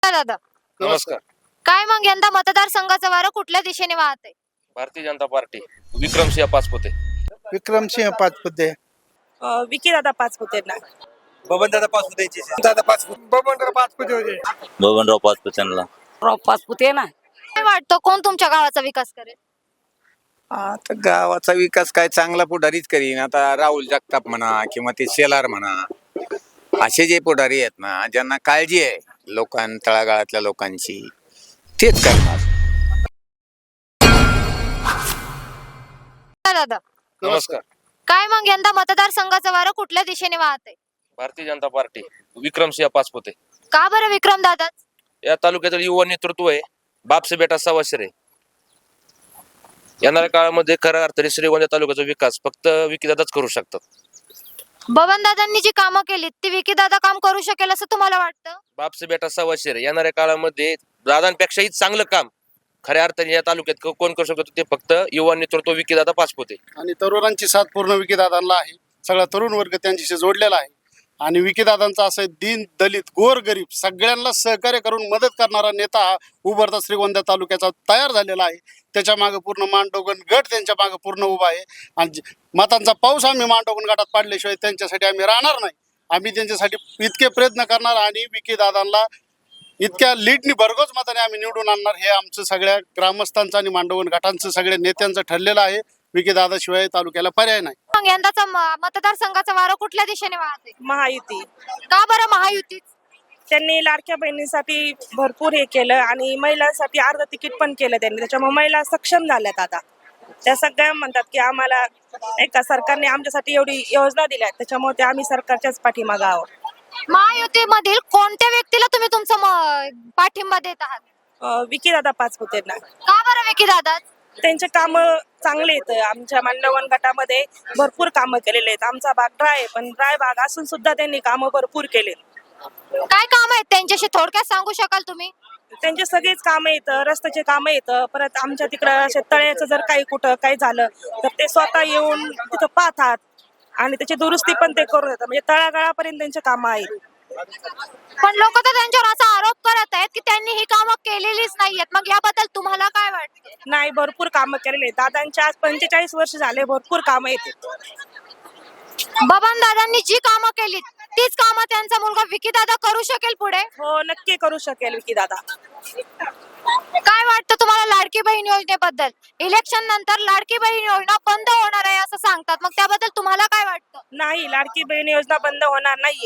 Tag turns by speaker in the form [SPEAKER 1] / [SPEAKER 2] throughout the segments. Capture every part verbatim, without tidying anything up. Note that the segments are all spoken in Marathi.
[SPEAKER 1] दादा
[SPEAKER 2] नमस्कार.
[SPEAKER 1] काय मग यंदा मतदारसंघाचं वारं कुठल्या दिशेने वाहतंय?
[SPEAKER 2] भारतीय जनता पार्टी विक्रमसिंह पाचपुते.
[SPEAKER 3] विक्रमसिंह पाचपुते.
[SPEAKER 4] विकी दादा पाचपुतेंना.
[SPEAKER 5] बबनदादा पाचपुते दादा पाचपुते बबनदादा पाचपुते होते.
[SPEAKER 6] बबनराव पाचपुतेंना.
[SPEAKER 4] राव पाचपुते ना.
[SPEAKER 1] काय वाटतं कोण तुमच्या गावाचा विकास करेल?
[SPEAKER 5] आता गावाचा विकास काय चांगला पुढारीच करीन. आता राहुल जगताप म्हणा किंवा ते शेलार म्हणा, असे जे पुढारी आहेत ना, ज्यांना काळजी आहे लोकां तळागाळातल्या लोकांची, तेच करणार.
[SPEAKER 1] दादा
[SPEAKER 2] नमस्कार.
[SPEAKER 1] काय मग यंदा मतदारसंघाचं वारं कुठल्या दिशेने वाहतंय?
[SPEAKER 2] भारतीय जनता पार्टी विक्रमसिंह पाचपुते.
[SPEAKER 1] का बरं विक्रम दादा?
[SPEAKER 2] या तालुक्यातील युवा नेतृत्व आहे. बापसे बेटा सवाशरे. येणाऱ्या काळामध्ये खऱ्या अर्थाने श्रीगोंदा तालुक्याचा विकास फक्त विकीदादाच करू शकतात.
[SPEAKER 1] बबन दादांनी जी कामं केली ती विकी दादा काम करू शकेल असं तुम्हाला वाटतं?
[SPEAKER 2] बापसे बेटा सवाशरे येणाऱ्या काळामध्ये दादांपेक्षाही चांगलं काम खऱ्या अर्थाने या तालुक्यात क- कोण करू शकतो ते फक्त युवा नेतृत्व विकीदादा पाचपुते.
[SPEAKER 3] आणि तरुणांची साथ पूर्ण विकीदादांना आहे. सगळा तरुण वर्ग त्यांच्याशी जोडलेला आहे. आणि विकीदादांचा असं दीन दलित गोर गरीब सगळ्यांना सहकार्य करून मदत करणारा नेता हा उभरता श्रीगोंदा तालुक्याचा तयार झालेला आहे. त्याच्या मागे पूर्ण मांडोगण गट त्यांच्या मागे पूर्ण उभा आहे. आणि जे- मतांचा पाऊस आम्ही मांडोगण गटात पाडल्याशिवाय त्यांच्यासाठी आम्ही राहणार नाही. आम्ही त्यांच्यासाठी इतके प्रयत्न करणार आणि विकीदादांना इतक्या लीडनी भरघोस मताने आम्ही निवडून आणणार, हे आमचं सगळ्या ग्रामस्थांचं आणि मांडवण गटांचं सगळ्या नेत्यांचं ठरलेलं आहे. विकीदादाशिवाय तालुक्याला पर्याय नाही.
[SPEAKER 1] मग यंदाचा म- मतदारसंघाचं वारं कुठल्या दिशेने वाहतंय?
[SPEAKER 4] महायुती.
[SPEAKER 1] का बरं महायुती?
[SPEAKER 4] त्यांनी लाडक्या बहिणीसाठी भरपूर हे केलं आणि महिलांसाठी अर्ध तिकीट पण केलं त्यांनी. त्याच्यामुळे महिला सक्षम झाल्यात आता. त्या सगळ्या म्हणतात की आम्हाला एका सरकारने आमच्यासाठी एवढी योजना दिल्या, त्याच्यामुळे ते आम्ही सरकारच्याच पाठीमागे आहोत.
[SPEAKER 1] महायुतीमधील कोणत्या व्यक्तीला तुम्ही तुमचा म- पाठिंबा देत आहात?
[SPEAKER 4] अं, विकी दादा पाचपुतेंना.
[SPEAKER 1] का बरं विकी दादा?
[SPEAKER 4] त्यांचे काम चांगले आहेत. आमच्या मांडवण गटामध्ये भरपूर कामं केलेले आहेत. आमचा भाग ड्राय आहे, पण ड्राय भाग असून सुद्धा त्यांनी कामं भरपूर केले.
[SPEAKER 1] काय काम आहेत त्यांच्याशी थोडक्यात सांगू शकाल तुम्ही?
[SPEAKER 4] त्यांचे सगळेच कामं येतं, रस्त्याचे कामं येतं. परत आमच्या तिकडं शेततळ्याचं जर काही कुठं काही झालं तर ते स्वतः येऊन तिथं पाहतात आणि त्याची दुरुस्ती पण ते करून देतात. म्हणजे तळागाळापर्यंत त्यांचे कामं आहेत.
[SPEAKER 1] पण लोक तर त्यांच्यावर असा आरोप करत आहेत की त्यांनी ही कामं केलेलीच नाहीयेत. मग याबद्दल तुम्हाला काय वाटतं?
[SPEAKER 4] नाही, भरपूर कामं केलेले आहेत. दादांच्या आज पंचेचाळीस वर्ष झाले, भरपूर कामं येतात.
[SPEAKER 1] बबन दादांनी जी कामं केली तीच कामं त्यांचा मुलगा विकी दादा करू शकेल पुढे?
[SPEAKER 4] हो, नक्की करू शकेल विकी दादा.
[SPEAKER 1] काय वाटतं तुम्हाला लाडकी बहीण योजनेबद्दल? इलेक्शन नंतर लाडकी बहीण योजना बंद होणार आहे असं सांगतात, मग त्याबद्दल तुम्हाला काय वाटतं?
[SPEAKER 4] नाही, लाडकी बहीण योजना बंद होणार नाहीये.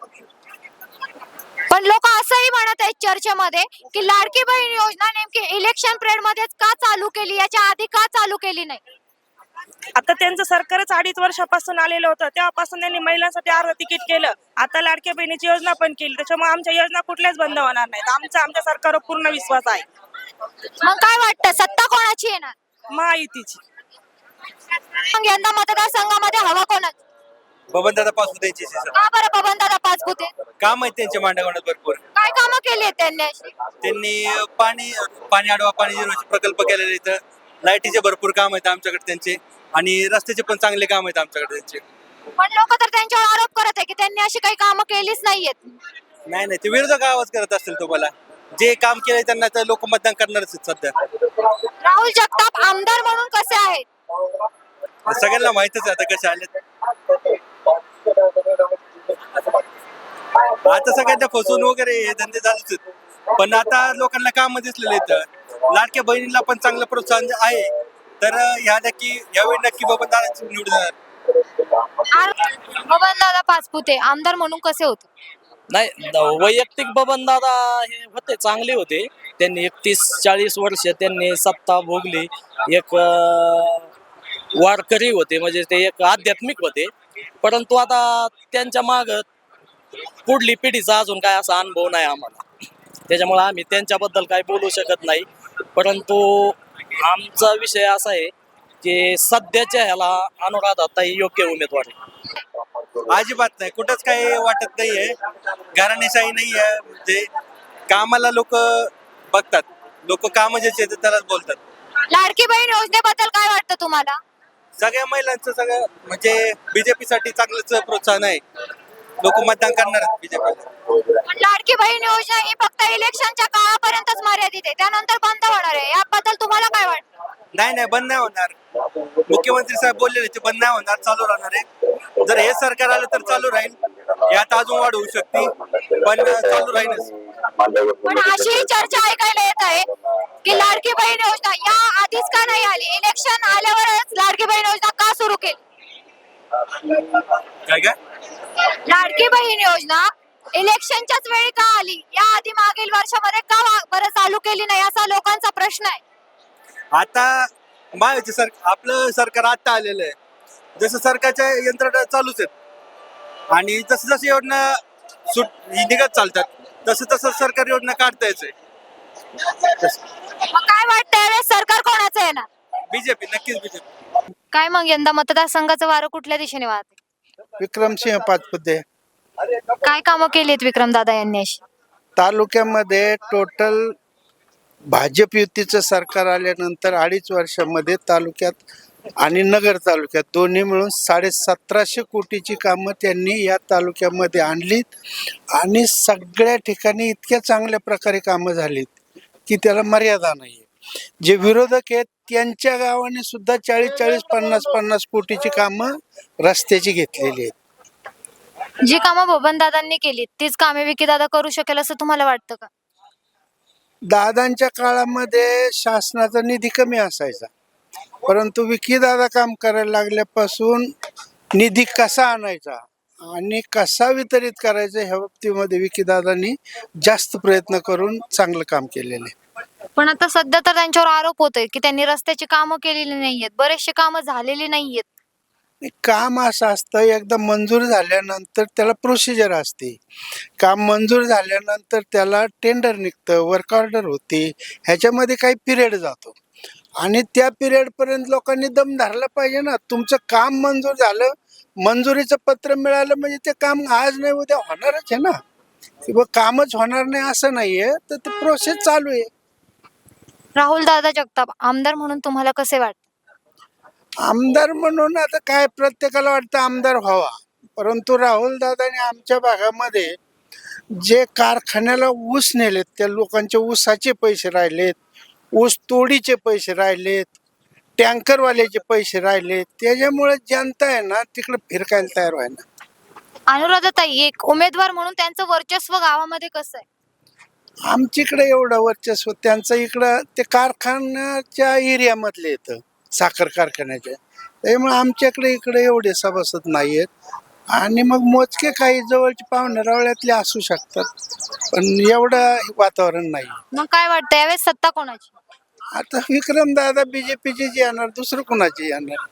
[SPEAKER 1] पण लोक असंही म्हणत आहेत चर्चेमध्ये की लाडकी बहीण योजना नेमकी इलेक्शन पिरियड मध्येच का चालू केली, याच्या आधी का चालू केली नाही?
[SPEAKER 4] आता त्यांचं सरकारच अडीच वर्षापासून आलेलं होतं, तेव्हापासून त्यांनी महिलांसाठी अर्ध तिकीट केलं. आता लाडक्या बहिणीची योजना पण केली. त्याच्यामुळे आमच्या योजना कुठल्याच बंद होणार नाहीत. आमचा आमच्या सरकारवर पूर्ण विश्वास आहे.
[SPEAKER 1] मग काय वाटतं सत्ता कोणाची येणार?
[SPEAKER 4] महायुतीची.
[SPEAKER 1] मग यंदा मतदारसंघामध्ये हवा कोणाची?
[SPEAKER 5] बबनदादा पाचपुते
[SPEAKER 1] का बरं बबन दादा पाचपुते?
[SPEAKER 5] काम आहेत त्यांच्या मांडवणात भरपूर.
[SPEAKER 1] काय कामं केली आहेत त्यांनी अशी?
[SPEAKER 5] त्यांनी पाणी पाणी अडवा पाणी जिरवाचे प्रकल्प केलेले आहेत. लाईटीचे भरपूर काम आहेत आमच्याकडे त्यांचे, आणि रस्त्याचे पण चांगले काम आहेत आमच्याकडे त्यांचे.
[SPEAKER 1] पण लोक तर त्यांच्यावर आरोप करत आहे की त्यांनी अशी काही कामं केलीच नाहीयेत.
[SPEAKER 5] नाही नाही, ते विरोधक आवाज करत असतील. तुम्हाला जे काम केलंय त्यांना तर लोक मतदान करणारच आहेत सध्या.
[SPEAKER 1] राहुल जगताप आमदार म्हणून कसे आहेत?
[SPEAKER 5] सगळ्यांना माहितच आहे आता कसे आले. आता सगळ्यांना फसवून वगैरे हे धंदे चालूच आहेत. पण आता लोकांना काम दिसलेले आहेत. लाडक्या बहिणीला पण चांगलं प्रोत्साहन आहे. तर ह्या नक्की यावेळी नक्की बबनदादा निवडून येणार.
[SPEAKER 1] बबन दादा पाचपुते आमदार म्हणून कसे होते?
[SPEAKER 7] नाही, द- वैयक्तिक बबन दादा हे होते, चांगले होते. त्यांनी एकतीस चाळीस वर्ष त्यांनी सत्ता भोगली. एक अं, वारकरी होते, म्हणजे ते एक आध्यात्मिक होते. परंतु आता त्यांच्या माग पुढली पिढीचा अजून काय असा अनुभव नाही आम्हाला, त्याच्यामुळे आम्ही त्यांच्याबद्दल काही बोलू शकत नाही. परंतु आमचा विषय असा आहे की सध्याच्या ह्याला अनुराधाताई योग्य उमेदवार आहे.
[SPEAKER 5] अजिबात नाही, कुठंच काही वाटत नाहीये. घराणेशाही नाहीये. म्हणजे कामाला लोक बघतात. लोक काम जे त्यालाच बोलतात.
[SPEAKER 1] लाडकी बहीण योजनेबद्दल काय वाटतं तुम्हाला?
[SPEAKER 5] सगळ्या महिलांचं सगळं म्हणजे बीजेपी साठी चांगलंच प्रोत्साहन आहे.
[SPEAKER 8] लोक मतदान करणार बीजेपी.
[SPEAKER 1] पण लाडकी बहीण योजना ही फक्त इलेक्शनच्या काळापर्यंतच मर्यादित आहे, त्यानंतर बंद होणार आहे. याबद्दल तुम्हाला काय वाटतं?
[SPEAKER 8] नाही नाही बंद नाही होणार. मुख्यमंत्री साहेब बोललेले ते बंद नाही होणार, चालू राहणार आहे. जर हे सरकार आलं तर चालू राहील, यात अजून वाढ होऊ शकते पण चालू राहीलच.
[SPEAKER 1] पण अशी चर्चा ऐकायला येत आहे की लाडकी बहीण योजना या आधीच का नाही आली, इलेक्शन आल्यावरच लाडकी बहीण योजना का सुरू केली?
[SPEAKER 8] काय काय
[SPEAKER 1] लाडकी बहीण योजना इलेक्शनच्याच वेळी का आली, या आधी मागील वर्षामध्ये का वा- बरं चालू केली नाही, असा लोकांचा प्रश्न आहे.
[SPEAKER 8] आता महायुती सर आपलं सरकार आता आलेलं आहे. जसं सरकारच्या यंत्रणा चालूच आहेत आणि जसं जसं योजना सुट निघत चालतात तसं तसं सरकार योजना काढता येते.
[SPEAKER 1] मग काय वाटतं यावेळेस सरकार कोणाचं येणार?
[SPEAKER 8] बीजेपी नक्कीच बीजेपी.
[SPEAKER 1] काय मग यंदा मतदारसंघाचं वारं कुठल्या दिशेने वाहते?
[SPEAKER 9] विक्रमसिंह पाचपुते.
[SPEAKER 1] काय कामं केलीत विक्रम दादा यांनी अशी?
[SPEAKER 9] तालुक्यामध्ये टोटल भाजप युतीचं सरकार आल्यानंतर अडीच वर्षामध्ये तालुक्यात आणि नगर तालुक्यात दोन्ही मिळून साडे सतराशे कोटीची कामं त्यांनी या तालुक्यामध्ये आणलीत आणि सगळ्या ठिकाणी इतक्या चांगल्या प्रकारे कामं झालीत की त्याला मर्यादा नाही. जे विरोधक आहेत त्यांच्या गावाने सुद्धा चाळीस चाळीस पन्नास पन्नास कोटीची कामं रस्त्याची घेतलेली आहेत.
[SPEAKER 1] जी कामं बबन दादांनी केली तीच कामे विकी दादा करू शकेल असं तुम्हाला वाटतं का?
[SPEAKER 9] दादांच्या काळामध्ये शासनाचा निधी कमी असायचा, परंतु विकी दादा काम करायला लागल्यापासून निधी कसा आणायचा आणि कसा वितरित करायचा ह्या बाबतीमध्ये विकी दादांनी जास्त प्रयत्न करून चांगलं काम केलेलं आहे.
[SPEAKER 1] पण आता सध्या तर त्यांच्यावर आरोप होतोय की त्यांनी रस्त्याची कामं केलेली नाहीयेत, बरेचसे कामं झालेली नाहीयेत.
[SPEAKER 9] काम असं असतं, एकदा मंजूर झाल्यानंतर त्याला प्रोसिजर असते. काम मंजूर झाल्यानंतर त्याला टेंडर निघतं, वर्क ऑर्डर होते, ह्याच्यामध्ये काही पिरियड जातो आणि त्या पिरियडपर्यंत लोकांनी दम धरला पाहिजे ना. तुमचं काम मंजूर झालं, मंजुरीचं पत्र मिळालं म्हणजे ते काम आज नाही उद्या होणारच आहे ना. किंवा कामच होणार नाही असं नाहीये, तर ते प्रोसेस चालू आहे.
[SPEAKER 1] राहुल दादा जगताप आमदार म्हणून तुम्हाला कसे वाटतं?
[SPEAKER 9] आमदार म्हणून आता काय प्रत्येकाला वाटतं आमदार व्हावा, परंतु राहुल दादाने आमच्या भागामध्ये जे कारखान्याला ऊस नेलेत त्या लोकांचे ऊसाचे पैसे राहिलेत, ऊस तोडीचे पैसे राहिलेत, टँकरवाल्याचे पैसे राहिलेत, त्याच्यामुळे जनता आहे ना तिकडे फिरकायला तयार व्हाय ना.
[SPEAKER 1] अनुराधाताई एक उमेदवार म्हणून त्यांचं वर्चस्व गावामध्ये कसं आहे?
[SPEAKER 9] आमच्याकडे एवढं वर्चस्व त्यांचं इकडं ते कारखान्याच्या एरियामधले येतं, साखर कारखान्याच्या, त्यामुळे आमच्याकडे इकडे एवढे सभासद नाही आहेत आणि मग मोजके काही जवळचे पाहुणे रावळ्यातले असू शकतात, पण एवढं वातावरण नाही.
[SPEAKER 1] मग काय वाटतं यावेळेस सत्ता कोणाची?
[SPEAKER 9] आता विक्रम दादा बीजेपीचे जे येणार, दुसरं कोणाचे येणार?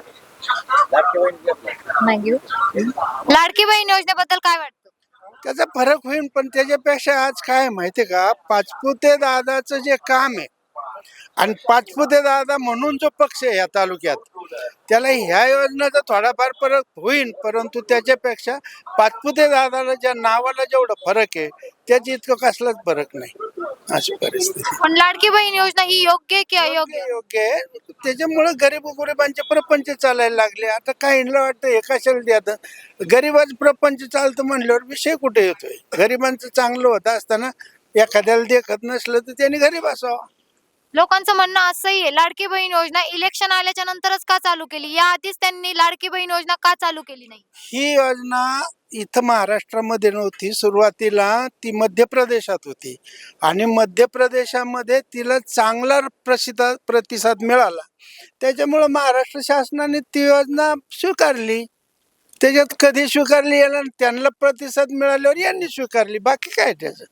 [SPEAKER 1] लाडकी बहीण योजनेबद्दल काय वाटतं?
[SPEAKER 9] त्याचा फरक होईल, पण त्याच्यापेक्षा आज काय माहितीये का, पाचपुते दादाचं जे काम आहे आणि पाचपुते दादा म्हणून जो पक्ष आहे या तालुक्यात, त्याला ह्या योजनेचा थोडाफार फरक होईल, परंतु त्याच्यापेक्षा पाचपुते दादाला ज्या नावाला जेवढा फरक आहे त्याची इतकं कसलाच फरक नाही, अशी परिस्थिती.
[SPEAKER 1] पण लाडकी बहीण योजना ही योग्य आहे की अयोग्य?
[SPEAKER 9] योग्य आहे, त्याच्यामुळे गरीब गरिबांचे प्रपंच चालायला लागले. आता काहींना वाटतं हे कशाला द्यात, गरिबाच प्रपंच चालतं म्हणल्यावर विषय कुठे येतोय? गरिबांचं चांगलं होतं असताना एखाद्याला देखत नसलं तर त्यांनी गरीब असावा.
[SPEAKER 1] लोकांचं म्हणणं असंही आहे लाडकी बहीण योजना इलेक्शन आल्याच्या नंतरच का चालू केली, या आधीच त्यांनी लाडकी बहीण योजना का चालू केली नाही?
[SPEAKER 9] ही योजना इथं महाराष्ट्रामध्ये नव्हती, सुरुवातीला ती मध्य प्रदेशात होती आणि मध्य प्रदेशामध्ये तिला चांगला प्रसिद्ध प्रतिसाद मिळाला, त्याच्यामुळं महाराष्ट्र शासनाने ती योजना स्वीकारली. त्याच्यात कधी स्वीकारली याला त्यांना प्रतिसाद मिळाल्यावर यांनी स्वीकारली, बाकी काय त्याचं.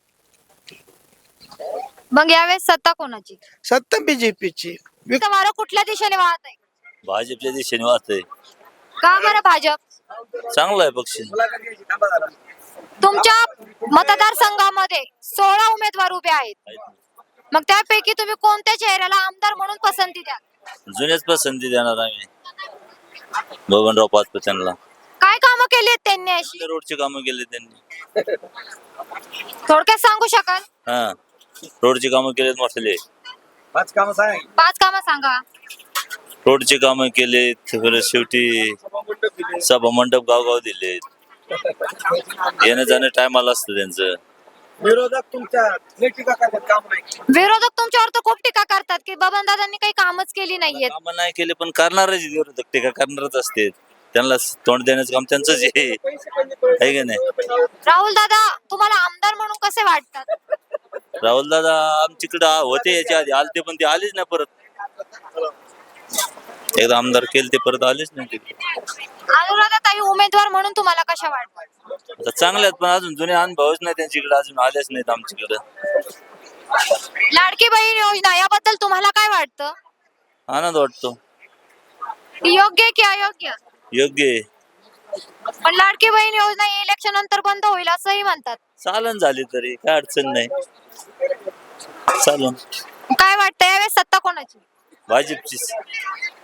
[SPEAKER 1] मग यावेळेस सत्ता कोणाची?
[SPEAKER 9] सत्ता बीजेपीची.
[SPEAKER 1] इथं वारं कुठल्या दिशेने वाहत आहे?
[SPEAKER 6] भाजपच्या दिशेने वाचतंय.
[SPEAKER 1] का बरं भाजप?
[SPEAKER 6] चांगला आहे पक्ष.
[SPEAKER 1] तुमच्या मतदारसंघामध्ये सोळा उमेदवार उभे आहेत, मग त्यापैकी तुम्ही कोणत्या चेहऱ्याला आमदार म्हणून पसंती द्या?
[SPEAKER 6] जुन्याच पसंती देणार आम्ही बबनराव पाचपुत्यांना.
[SPEAKER 1] काय कामं केली आहेत त्यांनी अशी?
[SPEAKER 6] रोडची कामं केली त्यांनी.
[SPEAKER 1] थोडक्यात सांगू शकाल?
[SPEAKER 6] हा, रोडची कामं केलेत मोठे.
[SPEAKER 8] पाच कामं सांग.
[SPEAKER 1] पाच कामं सांगा.
[SPEAKER 6] रोडची कामं केलेत, परत शेवटी सभा मंडप गावगाव दिलेत. येणं जाणं टायमाला असतं त्यांचं.
[SPEAKER 8] विरोधक तुमच्या लय टीका करतात, काम नाही.
[SPEAKER 1] विरोधक तुमच्यावर तर खूप टीका करतात की बबनदादांनी काही कामच केली नाहीयेत.
[SPEAKER 6] कामं नाही केले पण करणारच विरोधक टीका करणारच असते. त्यांना तोंड देण्याचं काम त्यांचंच आहे है की नाही.
[SPEAKER 1] राहुल दादा तुम्हाला आमदार म्हणून कसे वाटतात?
[SPEAKER 6] राहुल दादा आमच्याकडे होते याच्या आधी आलते पण ते आलेच नाही परत. एकदा आमदार केले ते परत आलेच नाही तिकडे.
[SPEAKER 1] अनुराधा ताई उमेदवार म्हणून तुम्हाला कशा वाटतात?
[SPEAKER 6] आता चांगले आहेत पण अजून जुने अनुभवच नाही त्यांच्याकडे, अजून आलेच नाहीत आमच्याकडे.
[SPEAKER 1] लाडकी बहीण योजना याबद्दल तुम्हाला काय वाटतं?
[SPEAKER 6] आनंद वाटतो.
[SPEAKER 1] ती योग्य आहे की अयोग्य?
[SPEAKER 6] योग्य आहे.
[SPEAKER 1] पण लाडकी बहीण योजना इलेक्शन नंतर बंद होईल असंही म्हणतात.
[SPEAKER 6] चालन झाली तरी काय अडचण नाही. चालन.
[SPEAKER 1] काय वाटतं यावेळेस सत्ता कोणाची?
[SPEAKER 6] भाजपचीच.